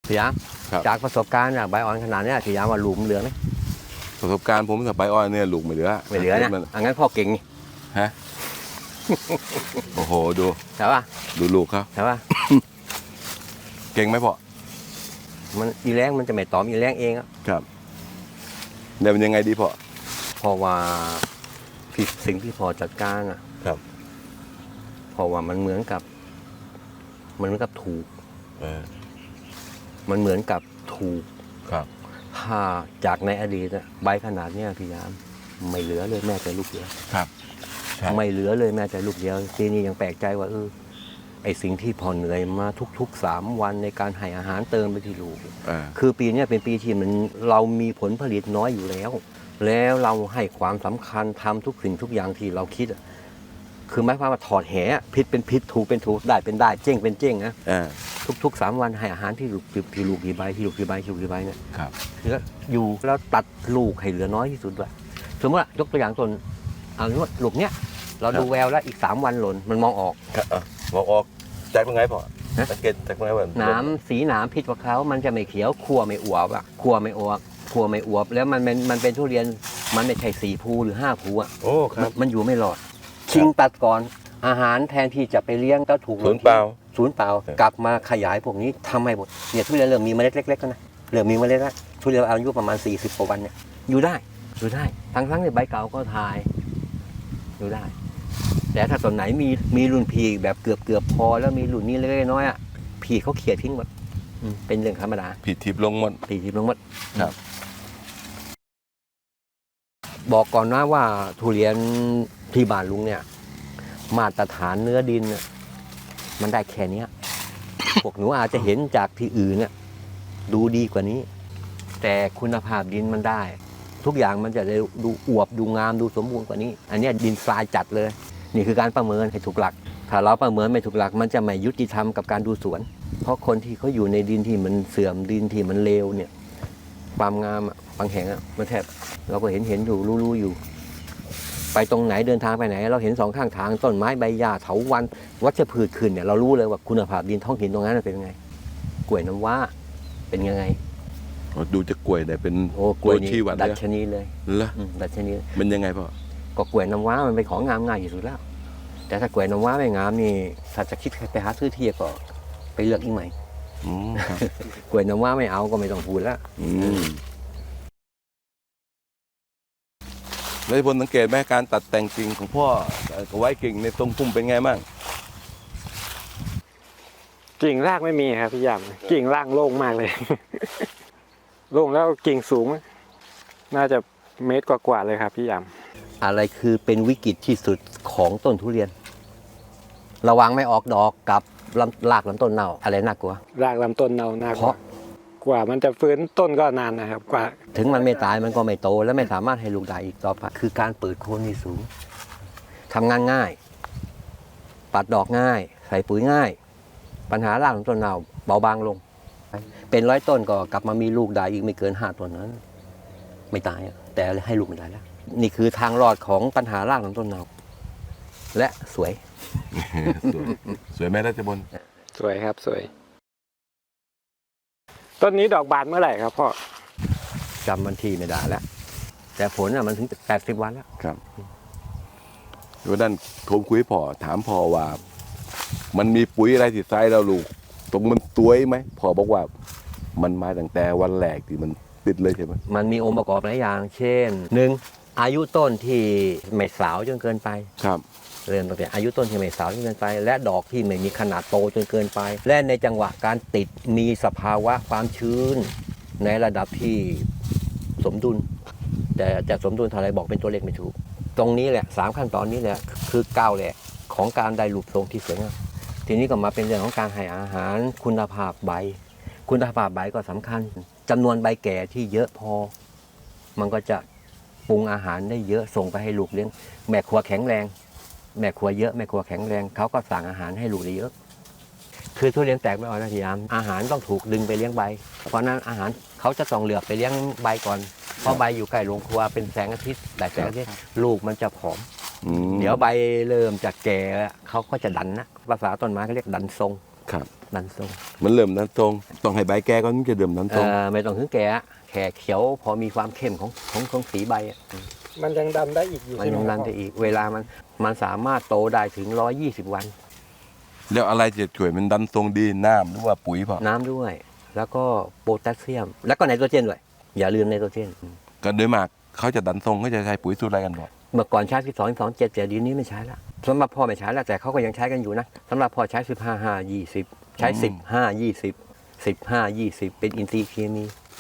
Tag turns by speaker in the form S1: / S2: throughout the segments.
S1: พี่ยามจากประสบการณ์ใบอ่อนขนาดนี้พี่ยามว่าลูกมันเหลือไหม
S2: ประสบการณ์ผมกับใบอ้อยเนี่ยลูกไม่เหลือ
S1: นะงั้นพ่อเก่ง
S2: ฮะโอ้โหดู
S1: ใช่ป่ะ
S2: ดูลูกเขา
S1: ใช่ป่ะ
S2: เก่งไหมพ่อ
S1: มันอีแรงมันจะไม่ตอมอีแรงเอง
S2: ครับเนี่ยมันยังไงดีพ่อ
S1: เพราะว่าสิ่งที่พอจัดการ
S2: ครับ
S1: เพราะว่ามันเหมือนกับถูกมันเหมือนกับถูก
S2: ครับ
S1: ถ้าจากในอดีตใบขนาดนี้พี่ยามไม่เหลือเลยแม้แต่ลูกเดียว
S2: ครับ
S1: ไม่เหลือเลยแม้แต่ลูกเดียวทีนี้ยังแปลกใจว่าไอสิ่งที่พอเหนื่อยมาทุกๆ3 วันในการให้อาหารเติมไปที่ลูกคือปีนี้เป็นปีที่เรามีผลผลิตน้อยอยู่แล้วเราให้ความสำคัญทำทุกสิ่งทุกอย่างที่เราคิดคือหมายความว่าถอดแหผิดเป็นผิดถูกเป็นถูกได้เป็นได้เจ้งเป็นเจ้งนะทุก3 วันให้อาหารที่ลูกกี่ใบเนี่ย
S2: ครับ
S1: คืออยู่แล้วตัดลูกให้เหลือน้อยที่สุดด้วยสมมติว่ายกตัวอย่างต้นลูกเนี้ยเราดูแววแล้วอีก3 วันหล่นมันมองออก
S2: จากตรงไหนพ่อสังเกตจากตรงไหนว่า
S1: สีหนามผิดกว่าเขามันจะไม่เขียวคั่วไม่อวบคั่วไม่อวบแล้วมันเป็นทุเรียนมันไม่ใช่4 ภูหรือ5 ภู
S2: โอ้ครับ
S1: มันอยู่ไม่รอดชิงตัดก่อนอาหารแทนที่จะไปเลี้ยงก็ถูก
S2: ศูนย์เปล่
S1: ากลับมาขยายพวกนี้ทำให้หมดเนี่ยทุเรียนเริ่มมีเมล็ดเล็กๆแล้วนะเริ่มมีเมล็ดแล้วทุเรียนอายุประมาณ40 กว่าวันเนี่ยอยู่ได้ทั้งในใบเก่าก็ทายอยู่ได้แต่ถ้าต้นไหนมีรุ่นพีแบบเกือบพอแล้วมีรุ่นนี้เล็กๆน้อยพีเขาเขี่ยทิ้งหมดเป็นเรื่องธรรมดา
S2: ผีทิพย์ลงหมด
S1: ครับบอกก่อนนะว่าทุเรียนที่บ้านลุงเนี่ยมาตรฐานเนื้อดินมันได้แค่นี้พวกหนูอาจจะเห็นจากที่อื่นเนี่ยดูดีกว่านี้แต่คุณภาพดินมันได้ทุกอย่างมันจะดูอวบดูงามดูสมบูรณ์กว่านี้อันนี้ดินทรายจัดเลยนี่คือการประเมินให้ถูกหลักถ้าเราประเมินไม่ถูกหลักมันจะไม่ยุติธรรมกับการดูสวนเพราะคนที่เขาอยู่ในดินที่มันเสื่อมดินที่มันเลวเนี่ยความงามบางแห่งมันแทบเราก็เห็นอยู่รู้อยู่ไปตรงไหนเดินทางไปไหนเราเห็น2 ข้างทางต้นไม้ใบหญ้าเถาวัลย์วัชพืชขึ้นเนี่ยเรารู้เลยว่าคุณภาพดินท้องถิ่นตรงนั้นเป็นยังไงกล้วยน้ำว้าเป็นยังไง
S2: ดูจะกล้วยได้เป็น
S1: กล้วยชี้วัดดัชนีเลย
S2: เหรอ
S1: ดัชนี
S2: มันยังไงพ่อ
S1: ก็กล้วยน้ำว้ามันเป็นของงามง่ายที่สุดแล้วแต่ถ้ากล้วยน้ำว้าไม่งามนี่ถ้าจะคิดไปหาซื้อที่ก็ไปเลือกอีกใหม่กล้วยน้ำว้าไม่เอาก็ไม่ต้องพูดแล้ว
S2: แล้วผลสังเกตไหมการตัดแต่งกิ่งของพ่อกับไว้กิ่งในตรงพุ่มเป็นไงบ้าง
S3: กิ่งรากไม่มีครับพี่ยามกิ่งรากโล่งมากเลยโล่งแล้วกิ่งสูงน่าจะ1 เมตรกว่าเลยครับพี่ยาม
S1: อะไรคือเป็นวิกฤตที่สุดของต้นทุเรียนระวังไม่ออกดอกกับรากลำต้นเน่าอะไรน่ากลัว
S3: รากลำต้นเน่าน่ากลัวกว่ามันจะฟื้นต้นก็นานนะครับกว่า
S1: ถึงมันไม่ตายมันก็ไม่โตและไม่สามารถให้ลูกได้อีกต่อไปคือการเปิดโคนที่สูงทำงานง่ายปัดดอกง่ายใส่ปุ๋ยง่ายปัญหารากลำต้นเน่าเบาบางลงเป็น100 ต้นก็กลับมามีลูกได้อีกไม่เกิน5 ต้นนั้นไม่ตายแต่ให้ลูกไม่ได้แล้วนี่คือทางรอดของปัญหารากลำต้นเน่าและสวย
S2: สวยไหมราชบล
S3: สวยครับสวยต้นนี้ดอกบานเมื่อไหร่ครับพ่อ
S1: จำวันที่ไม่ได้แล้วแต่ผลมันถึง80 วันแล้ว
S2: ครับวันนั้นโทรคุยพ่อถามพ่อว่ามันมีปุ๋ยอะไรที่ใส่แล้วลูกตรงมันตัวยไหมพ่อบอกว่ามันมาตั้งแต่วันแรกที่มันติดเลยใช่ไหม
S1: มันมีองค์ประกอบหลายอย่างเช่น1อายุต้นที่ไม่สาวจนเกินไป
S2: ครับ
S1: เริ่มตั้งแต่อายุต้นที่ไม่สาวจนเกินไปและดอกที่ไม่มีขนาดโตจนเกินไปและในจังหวะการติดมีสภาวะความชื้นในระดับที่สมดุลแต่จะสมดุลเท่าไรบอกเป็นตัวเลขไม่ถูกตรงนี้แหละ3 ขั้นตอนนี้แหละคือก้าวแรกของการได้รูปทรงที่สวยงามทีนี้ก็มาเป็นเรื่องของการให้อาหารคุณภาพใบก็สำคัญจำนวนใบแก่ที่เยอะพอมันก็จะปรุงอาหารได้เยอะส่งไปให้ลูกเลี้ยงแม่ครัวแข็งแรงแม่ครัวเยอะแม่ครัวแข็งแรงเขาก็สั่งอาหารให้ลูกได้เยอะคือทุเรียนแตกไม่ออกนะพี่ยามอาหารต้องถูกดึงไปเลี้ยงใบเพราะนั้นอาหารเขาจะต้องเลือกไปเลี้ยงใบก่อนเพราะใบอยู่ใกล้โรงครัวเป็นแสงอาทิตย์แต่แสงอาทิตย์ลูกมันจะผอมเดี๋ยวใบเริ่มจากแก่เขาก็จะดันนะภาษาต้นไม้เขาเรียกดันทรง
S2: ครับ
S1: ดันทรง
S2: มันเริ่มนั้นทรงต้องให้ใบแก่ก่อนถึงจะเริ่มนั้นทรง
S1: ไม่ต้องถึงแก่แค่เขียวพอมีความเข้มของสีใบอะ
S3: มันยังดันได้อีกอยู่
S1: มัน
S3: ใช่ไหม
S1: ยัง
S3: ค
S1: ดั
S3: รั
S1: น
S3: บ
S1: ได้อีกเวลามันสามารถโตได้ถึง120 วัน
S2: แล้วอะไรจะช่วยมันดันทรงดีน้ำหรือว่าปุ๋ยพอ
S1: น้ำด้วย แล้วก็โพแทสเซียม แล้วก็ไนโตรเจนด้วย อย่าลืมไนโตรเจน
S2: ก็โดยมากเขาจะดันทรงเขาจะใช้ปุ๋ยสูตรอะไรกันบ่
S1: เมื่อก่อนใช้12 7แต่เดี๋ยวนี้ไม่ใช้ละสำหรับพ่อไม่ใช้แล้วแต่เขาก็ยังใช้กันอยู่นะสำหรับพ่อใช้15 5 20 ใช้15 20 15 20 เป็นอินทรีย์เคมี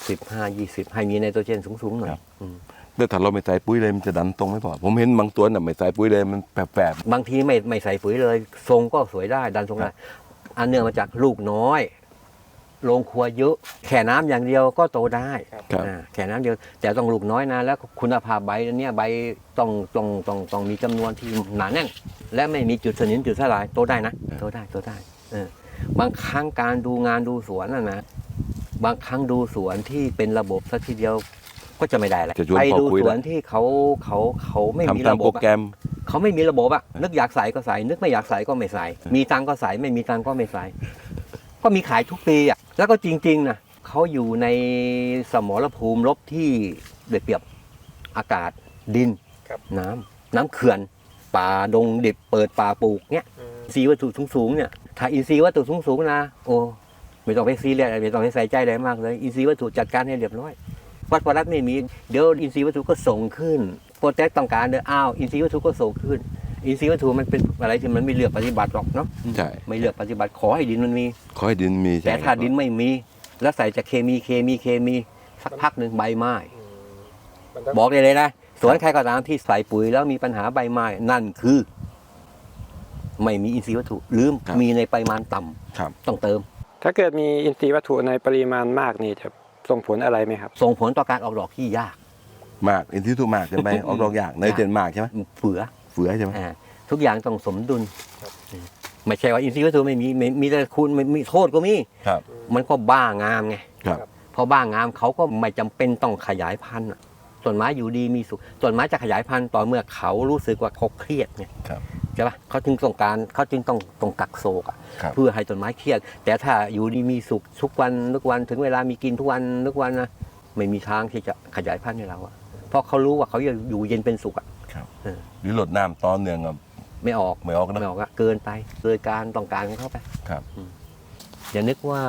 S1: 15 20 ให้มีไนโตรเจนสูงๆหน่อยอืม
S2: แล้วถ้าเราไม่ใส่ปุ๋ยเลยมันจะดันตรงไม่พอผมเห็นบางตัวน่ะไม่ใส่ปุ๋ยเลยมันแปลก
S1: บางทีไม่ใส่ปุ๋ยเลย ทรงก็สวยได้ดันทรงได้อันเนื่องมาจากลูกน้อยโรงครัวเยอะแค่น้ำอย่างเดียวก็โตได้
S2: ครับ
S1: แค่น้ำเดียวแต่ต้องลูกน้อยนะแล้วคุณภาพใบเนี่ยใบต้องมีจำนวนที่หนาแน่น และไม่มีจุดสนิมจุดสลายโตได้นะโตได้บางครั้งการดูงานดูสวนนะบางครั้งดูสวนที่เป็นระบบสักทีเดียวก็จะไม่ได้แหละ
S2: จะชวน
S1: ไป
S2: พ่อ
S1: ดู
S2: คุย
S1: ส
S2: แล้ว
S1: วนที่เขาไม่มี
S2: ทำตาม
S1: ระบ
S2: โปร
S1: บอะ
S2: แกรม
S1: เขาไม่มีระบบอะนึกอยากใส่ก็ใส่ นึกไม่อยากใส่ก็ไม่ใส่ มีตังก็ใส่ไม่มีตังก็ไม่ใส่ ก็มีขายทุกปีอะแล้วก็จริงๆนะเขาอยู่ในสมรภูมิรบที่เดือดเปรียบอากาศดิน
S3: ครับ
S1: น้ำเขื่อน ป่าดงดิบเปิดป่าปลูกเนี้ยอินทรีย์วัตถุสูงๆเนี่ยถ้าอินทรีย์วัตถุสูงๆนะโอ้ไม่ต้องไปซีเรียสไม่ต้องไปใส่ใจอะไรมากเลยอินทรีย์วัตถุจัดการให้เรียบร้อยวัดพลัสไม่มีเดี๋ยวอินทรีย์วัตถุก็ส่งขึ้นโปรเจกต์ต้องการเดี๋ยวอ้าวอินทรีย์วัตถุก็ส่งขึ้น อินทรีย์วัตถุมันเป็นอะไรที่มันไม่เลือกปฏิบัติหรอกเนาะ
S2: ใช่
S1: ไม่เลือกปฏิบัติขอให้ดินมันมี
S2: ขอให้ดินมี
S1: แต่
S2: ใช่
S1: ถ้าดินไม่มี แล้วใส่จากเคมีสักพักหนึ่งใบไม้
S3: มันต้อง
S1: บอกเลยนะสวนใครก็ตามที่ใส่ปุ๋ยแล้วมีปัญหาใบไม้นั่นคือ ไม่มีอินทรีย์วัตถุหรือมีในปริมาณต่ำ
S2: ครับ
S1: ต้องเติม
S3: ถ้าเกิดมีอินทรีย์วัตถุในปริมาณมากนี่จะส่งผลอะไรไหมครับ
S1: ส่งผลต่อการออกดอกที่ยาก
S2: มากอินทรีย์ทุกมากใช่ไหมออกดอกยากในเจนมากใช่ไหม
S1: เฟือ
S2: เฟือใช่ไหม
S1: ทุกอย่างต้องสมดุลไม่ใช่ว่าอินทรีย์วัตถุไม่มีแต่คุณไม่มีโทษก็มี
S2: ครับ
S1: มันก็บ้างามไง
S2: ครับ
S1: พอบ้างามเขาก็ไม่จำเป็นต้องขยายพันธุ์อะต้นไม้อยู่ดีมีสุขต้นไม้จะขยายพันธุ์ต่อเมื่อเขารู้สึกว่าเขาเครียดไง
S2: ครับ
S1: ใช่ปะเขาจึงต้องกักโศกอะ
S2: ครับ
S1: เพื่อให้ต้นไม้เครียด แต่ถ้าอยู่ดีมีสุขทุกวันถึงเวลามีกินทุกวันนะไม่มีทางที่จะขยายพันธุ์ให้เราอะเพราะเขารู้ว่าเขาอยู่เย็นเป็นสุขอะ
S2: หรือหลดน้ำตอนเนื่องกับ
S1: ไม่ออก
S2: ไม่ออกนะ
S1: ไม่ออกอะเกินไปเลยการต้องการของเขาไป
S2: ครับ
S1: อย่านึกว่า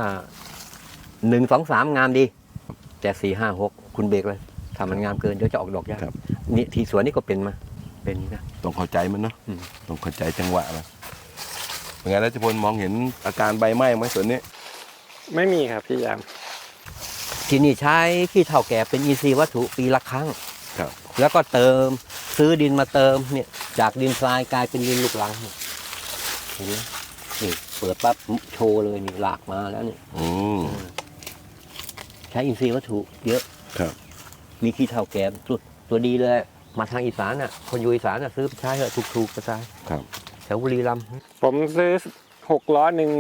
S1: 1 2 3งามดี แต่4 5 6คุณเบรกเลยถ้ามันงามเกินเดี๋ยวจะออกดอกยาก
S2: ครับ
S1: นี่ที่สวนนี่ก็เป็นมาเป็นอย่างนี้นะ
S2: ต้องเข้าใจมันเนาะ
S1: อืม
S2: ต้องเข้าใจจังหวะมันเป็นไงรัชพลมองเห็นอาการใบไหม้ไหมส่วนนี้
S3: ไม่มีครับพี่ยาม
S1: ที่นี่ใช้ขี้เถ้าแก่เป็นอินทรีย์วัตถุปีละครั้ง
S2: ครับ
S1: แล้วก็เติมซื้อดินมาเติมเนี่ยจากดินทรายกลายเป็นดินลูกรังเนี่ยเห็นไหมนี่เปิดปั๊บโชว์เลยนี่หลากมาแล้วเนี่ย
S2: อืม
S1: ใช้อินทรีย์วัตถุเยอะ
S2: ครับ
S1: มีขี้เถ้าแก่ตัวดีเลยมาทางอีสานอ่ะคนอยู่อีสานอ่ะซื้อไปใช้เถอะถูกๆกระจาย
S2: ครับ
S1: แถวบุรีรัมย์
S3: ผมซื้อ6 ล้อหนึ่ง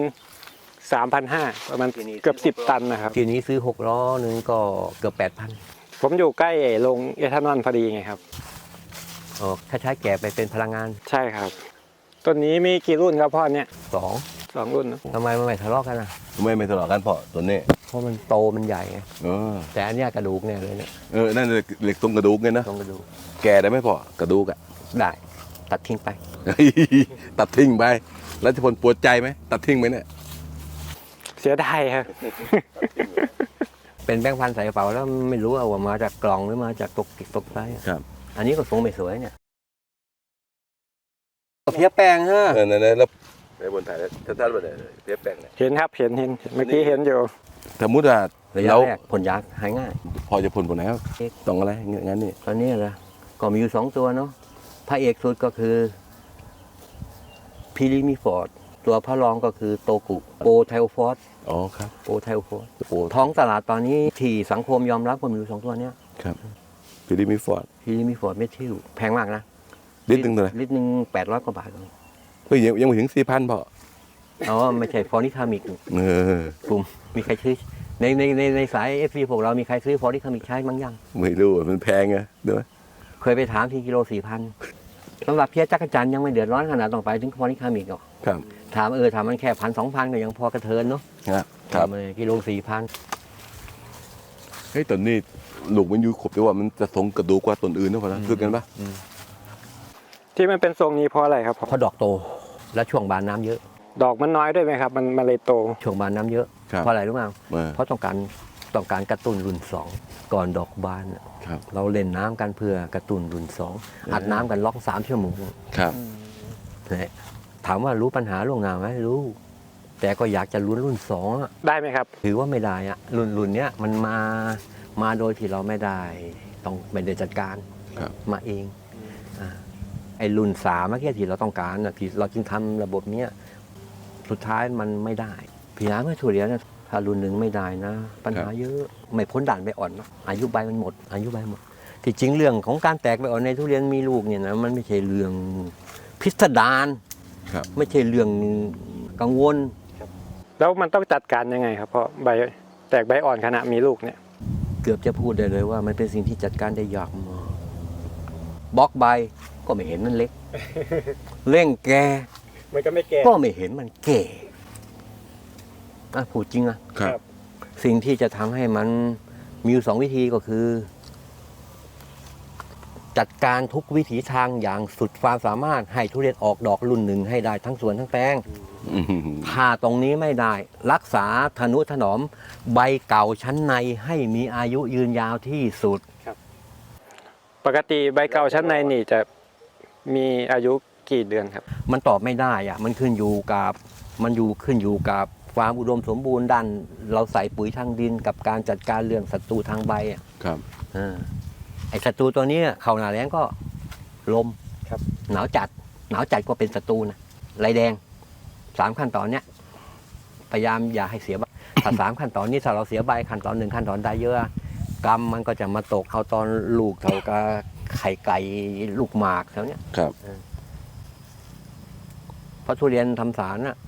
S3: 3,500ประมาณเกือบ10 ตันนะครับ
S1: ทีนี้ซื้อ6 ล้อหนึ่งก็เกือบ8,000
S3: ผมอยู่ใกล้โรงเอทานอลพอดีไงครับ
S1: อ๋อถ้าใช้แก่ไปเป็นพลังงาน
S3: ใช่ครับต้นนี้มีกี่รุ่นครับพ่อเนี่ย
S1: 2
S3: 2 รุ่นนะ
S1: ทำไมมันไม่ทะเลาะกันอ่ะ
S2: ไม่ทะเลาะกันเพราะตัวนี้
S1: เพราะมันโตมันใหญ่ไง
S2: เออ
S1: แต่อันเนี้ยกระดูกเนี่ยเลยเนี่ย
S2: นั่นเหล็กตรงกระดูกไงนะ
S1: ตรงกระดูก
S2: แก่ได้ไหมพ่อกระดูกอะ
S1: ได้ตัดทิ้งไป
S2: ตัดทิ้งไปรัชพลปวดใจไหมตัดทิ้งไหมเนี่ย
S3: เสียดายครับ
S1: เป็นแบงค์พันใส่กระเป๋าแล้วไม่รู้ว่ามาจากกล่องหรือมาจากตกไซส์อะ
S2: ครับ
S1: อันนี้ก็ทรงไม่สวยเนี่ยเพี้ยแปลงฮะ
S2: นั่นแล้วในบนถ่ายแล้วท่านๆไปเลยเทียบแปลงเนี่ย
S3: เห็นครับเห็นเมื่อกี้เห็นอยู่
S2: สมมติว่า
S1: ระยะ
S2: เรา
S1: แรกผลยาหายง่าย
S2: พอจะพ่นผลไหนครับต้องอะไรงั้นนี่
S1: ตอนนี้เหรอก็มีอยู่2 ตัวเนาะพระเอกสุดก็คือพิลิมิฟอร์ดตัวพระรองก็คือโตกุโปไทโอฟอส
S2: อ๋อครับ
S1: โปไทโอฟอสท้องตลาดตอนนี้ที่สังคมยอมรับก็มีอยู่2 ตัวเนี้ย
S2: ครับฟิลิปมิฟอร์ด
S1: พิลิมิฟอร์ดเมทิลแพงมากนะ
S2: ลิตรหนึงเท่าไหร่
S1: ลิตรหนึง800 กว่าบาทเลย
S2: เฮ้ยยังไม่ถึง4,000พอ
S1: อ๋อไม่ใช่ฟอริคามิก
S2: เออ
S1: กลุ่มมีใครซื้อในสายเอฟซีพวกเรามีใครซื้อฟอริคามิกใช้บ้างยัง
S2: ไม่รู้อะมันแพงไงเด้อ
S1: เคยไปถามที่กิโล4,000สำหรับเพี้ยจักรจันทร์ยังไม่เดือดร้อนขนาดต้องไปถึงฟอริคามิกหรอก
S2: ครับ
S1: ถามถามมันแค่1,000-2,000ก็ยังพอกระเทินเนาะ
S2: ครับ
S1: กิโล4,000
S2: เฮ้ยตอนนี้ลูกมันอยู่ครบแต่ว่ามันจะทรงกระดูกกว่าต้นอื่นนะพ่อนะคือกันปะ
S3: ที่มันเป็นทรงนี้เพราะอะไรครับพ่อ
S1: เพราะดอกโตและช่วงบานน้ำเยอะ
S3: ดอกมันน้อยด้วยไหมครับ มันเลยโต
S1: ช่วงบานน้ำเยอะ
S2: ครับ
S1: เพราะอะไรรู้ไหม
S2: มา
S1: เพราะต้องการกระตุ้นรุ่น 2 ก่อนดอกบานน่ะ
S2: ครับ
S1: เราเล่นน้ำกันเพื่อกระตุ้นรุ่น 2 อัดน้ำกันล็อก3 ชั่วโมง
S2: ครับ
S1: นะถามว่ารู้ปัญหาล่วงหน้าไหมรู้ แต่ก็อยากจะลุ้นรุ่น2อะ
S3: ได้ไหมครับ
S1: ถือว่าไม่ได้อะรุ่นเนี้ยมันมาโดยที่เราไม่ได้ต้องไม่ได้จัดการ
S2: ครับ
S1: มาเองไอ้รุ่น3เมื่อกี้ที่เราต้องการน่ะที่เราจึงทำระบบเนี้ยสุดท้ายมันไม่ได้พี่น้าเมื่อถั่วเหลียญนะถ้ารุ่นหนึ่งไม่ได้นะ ปัญหาเยอะไม่พ้นด่านใบอ่อนนะอายุใบมันหมด อายุใบหมดที่จริงเรื่องของการแตกใบอ่อนในทุเรียนมีลูกเนี่ยนะมันไม่ใช่เรื่องพิสดาร
S2: ครับ
S1: ไม่ใช่เรื่องกังวล
S3: แล้วมันต้องจัดการยังไงครับเพราะใบแตกใบอ่อนขณะมีลูกเนี่ย
S1: เกือบจะพูดได้เลยว่ามันเป็นสิ่งที่จัดการได้ยากมากบล็อกใบก็ไม่เห็นมันเล็ก เร่งแก
S3: มันก็ไม่แก่
S1: ก็ไม่เห็นมันแก่พูดจริงอะ
S2: ครับ
S1: สิ่งที่จะทำให้มันมีอยู่2 วิธีก็คือ จัดการทุกวิถีทางอย่างสุดความสามารถให้ทุเรียนออกดอกรุ่นหนึ่งให้ได้ทั้งสวนทั้งแปลง
S2: อืม
S1: ถ้าตรงนี้ไม่ได้ รักษาทนุถนอมใบเก่าชั้นในให้มีอายุยืนยาวที่สุด
S3: ปกติใบเก่าชั้นในนี่จะมีอายุกี่เดือนครับ
S1: มันตอบไม่ได้อะมันขึ้นอยู่กับความอุดมสมบูรณ์ด้านเราใส่ปุ๋ยทางดินกับการจัดการเรื่องศัตรูทางใบอะ
S2: ครับ
S1: ไอ้ศัตรูตัวนี้เข้าหน้าแล้งก็ลม
S3: ครับ
S1: หนาวจัดก็เป็นศัตรูนะไรแดง3 ขั้นตอนเนี้ยพยายามอย่าให้เสียใบถ้า3 ขั้นตอนนี้ถ้าเราเสียใบขั้นตอน1 ขั้นตอนใดเยอะกรรมมันก็จะมาตกเอาตอนลูกเท่ากับไข่ไก่ลูกหมากแถวเนี้ย
S2: ครับ
S1: เพราะทุเรียนทำสารน่ะ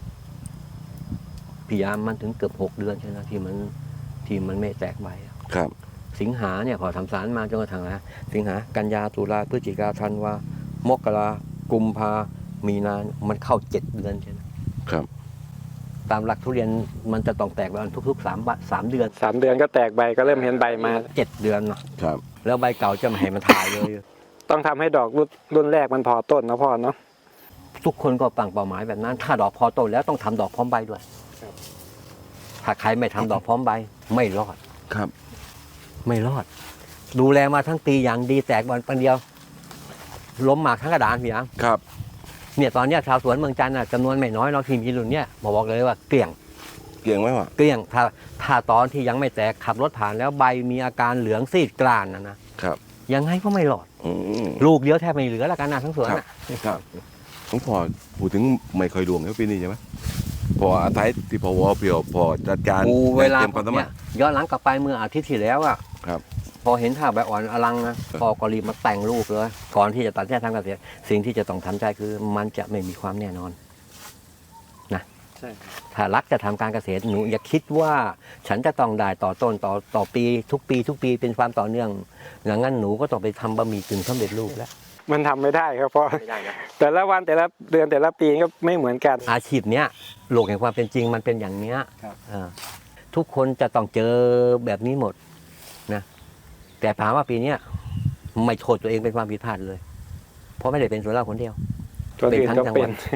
S1: พยายามมันถึงเกือบ6 เดือนใช่ไหมที่มันไม่แตกใบอะ
S2: ครับ
S1: สิงหาเนี่ยพอทำสารมาจนกระทั่งนะสิงหากันยาตุลาพฤศจิกาธันวามกรากุมภามีนามันเข้า7 เดือนใช่ไหม
S2: ครับ
S1: ตามหลักทุเรียนมันจะต้องแตกใบทุกๆ3 เดือน
S3: 3 เดือนก็แตกใบก็เริ่มเห็นใบมา
S1: 7 เดือนเนาะ
S2: ครับ
S1: แล้วใบเก่าจะไม่ให้มันถ่ายเลย
S3: ต้องทำให้ดอกรุ่นแรกมันพอต้นนะพ่อเนาะ
S1: ทุกคนก็ตั้งเป้าหมายแบบนั้น ถ้าดอกพอโตแล้วต้องทำดอกพร้อมใบด้วย
S3: ครับ
S1: ถ้าใครไม่ทำดอกพร้อมใบไม่รอด
S2: ครับ
S1: ไม่รอด ดูแลมาทั้งปีอย่างดีแตกบอลปันเดียว ล้มหมากทั้งกระดานพี่ยัง
S2: ครับ
S1: เนี่ยตอนเนี้ยชาวสวนเมืองจันทร์น่ะจำนวนไม่น้อยเราที่มีรุ่นเนี้ยบอกเลยว่าเกลี้ยง
S2: เกี่ยงไหมวะ
S1: เกลี้ยงถ้าตอนที่ยังไม่แตกขับรถผ่านแล้วใบมีอาการเหลืองซีดกลานนะครับ ยังไงก็ไม่รอด
S2: อืม
S1: ลูกเดียวแทบไม่เหลือแล้วกันนะทั้งสวน
S2: ครับ
S1: น่ะ
S2: ครับหลวงพ่อพูดถึงไม่ค่อยดวงแล้วปีนี้ใช่ไหมพออาศัยที่พอวอเพียวพอจัดการ
S1: กูเวลา
S2: เตรียมความสามาร
S1: เนี่
S2: ถ
S1: ยย้อนหลังกลับไปเมื่ออาทิตย์ที่แล้วอ่ะ
S2: ครับ
S1: พอเห็นท่าใบอ่อนอลังนะพอก็รีบมาแต่งลูกเลย ก่อนที่จะตัดสินใจทำเกษตรสิ่งที่จะต้องทำใจคือมันจะไม่มีความแน่นอน
S3: ใช่
S1: ถ้ารักจะทำการเกษตรหนูอย่าคิดว่าฉันจะต้องได้ต่อต้นต่อปีทุกปีเป็นความต่อเนื่องอย่างนั้นหนูก็ต้องไปทำบะหมี่กึ่งสำเร็จรูปแล้ว
S3: มันทำไม่ได้ครับเพราะ
S1: ไม่ได้นะ
S3: แต่ละวันแต่ละเดือนแต่ละปีก็ไม่เหมือนกัน
S1: อาชีพเนี้ยโลกแห่งความเป็นจริงมันเป็นอย่างเนี้ย
S3: ครับ
S1: ทุกคนจะต้องเจอแบบนี้หมดนะแต่ถามว่าปีเนี้ยไม่โทษตัวเองเป็นความผิดพลาดเลย เพราะไม่ได้เป็นส่วนเราคนเดียว
S3: ตัวอื่นก็
S1: เป็นทั้งจังห
S3: เป็
S1: วั
S3: น
S1: ด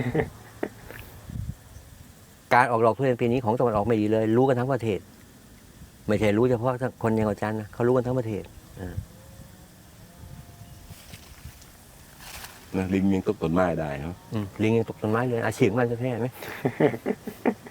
S1: การออกดอกทุเรียนปีนี้ของตะวันออกไม่ดีเลย รู้กันทั้งประเทศ ไม่ใช่รู้เฉพาะคนยังจันทร์นะเขารู้กันทั้งประเทศ
S2: นะลิงยังตกต้นไม้ได้ครับ
S1: ลิงยังตกต้นไม้เลยอาชีพมันจะแท้ไหม